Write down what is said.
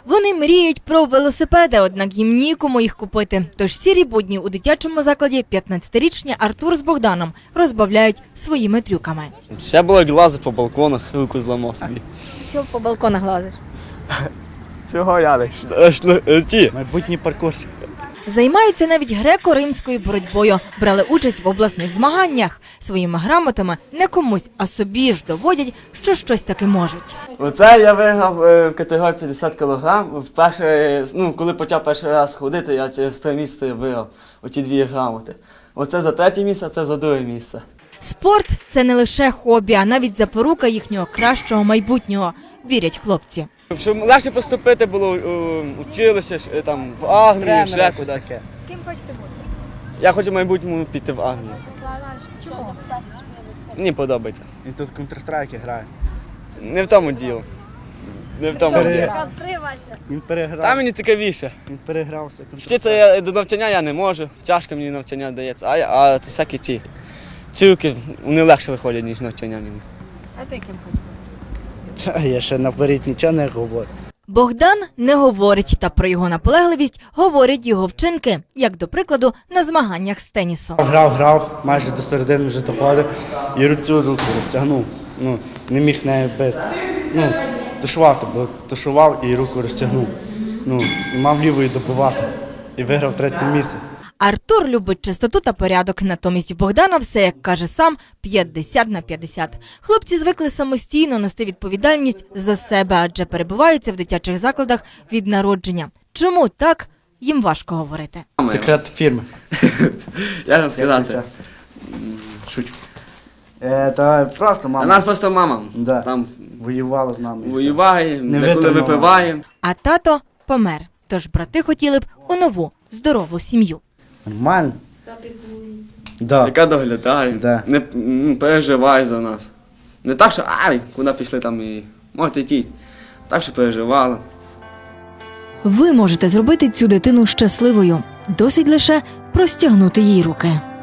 Вони мріють про велосипеди, однак їм нікому їх купити. Тож сірі будні у дитячому закладі 15-річні Артур з Богданом розбавляють своїми трюками. Ще було як лазив по балконах, руку зламав собі. Чого по балконах лазиш? Цього я не ті. Майбутній паркурщик. Займаються навіть греко-римською боротьбою, брали участь в обласних змаганнях. Своїми грамотами не комусь, а собі ж доводять, що щось таки можуть. Оце я виграв в категорії 50 кг. Вперше, коли почав перший раз ходити, я через 3 місяці виграв оті 2 грамоти. Оце за 3 місце, а це за 2 місце. Спорт – це не лише хобі, а навіть запорука їхнього кращого майбутнього, вірять хлопці. Щоб легше поступити було в училище, там, в армію, ще кудись. Ким хочете бути? Я хочу в майбутньому піти в армію. Чому? Мені подобається. Він тут в Counter-Strike грає. Не в тому діло. Не в тому діло. Він переграв. Там мені цікавіше. Він перегрався. Вчитися до навчання я не можу, тяжко мені навчання дається, а всякі ці цілки, вони легше виходять, ніж навчання мені. А ти ким хочеш бути? Та я ще наперед нічого не говорю. Богдан не говорить, та про його наполегливість говорять його вчинки, як, до прикладу, на змаганнях з тенісу. Грав, майже до середини вже доходив і цю руку розтягнув. Не міг нею бити. Тушував і руку розтягнув. І мав лівою добивати. І виграв 3-е місце. Артур любить чистоту та порядок, натомість в Богдана все, як каже сам, 50/50. Хлопці звикли самостійно нести відповідальність за себе, адже перебуваються в дитячих закладах від народження. Чому так, їм важко говорити. Секрет фірми. Я вам сказати. Шучу. Та просто А мама нас просто мама там воювала з нами. воюває, Не деколи витримала. випиває. А тато помер, тож брати хотіли б у нову, здорову сім'ю. Нормально. Да. Яка доглядає, Да. не переживає за нас. Не так, що куди пішли там і можете йти. Так, що переживала. Ви можете зробити цю дитину щасливою. Досить лише простягнути їй руки.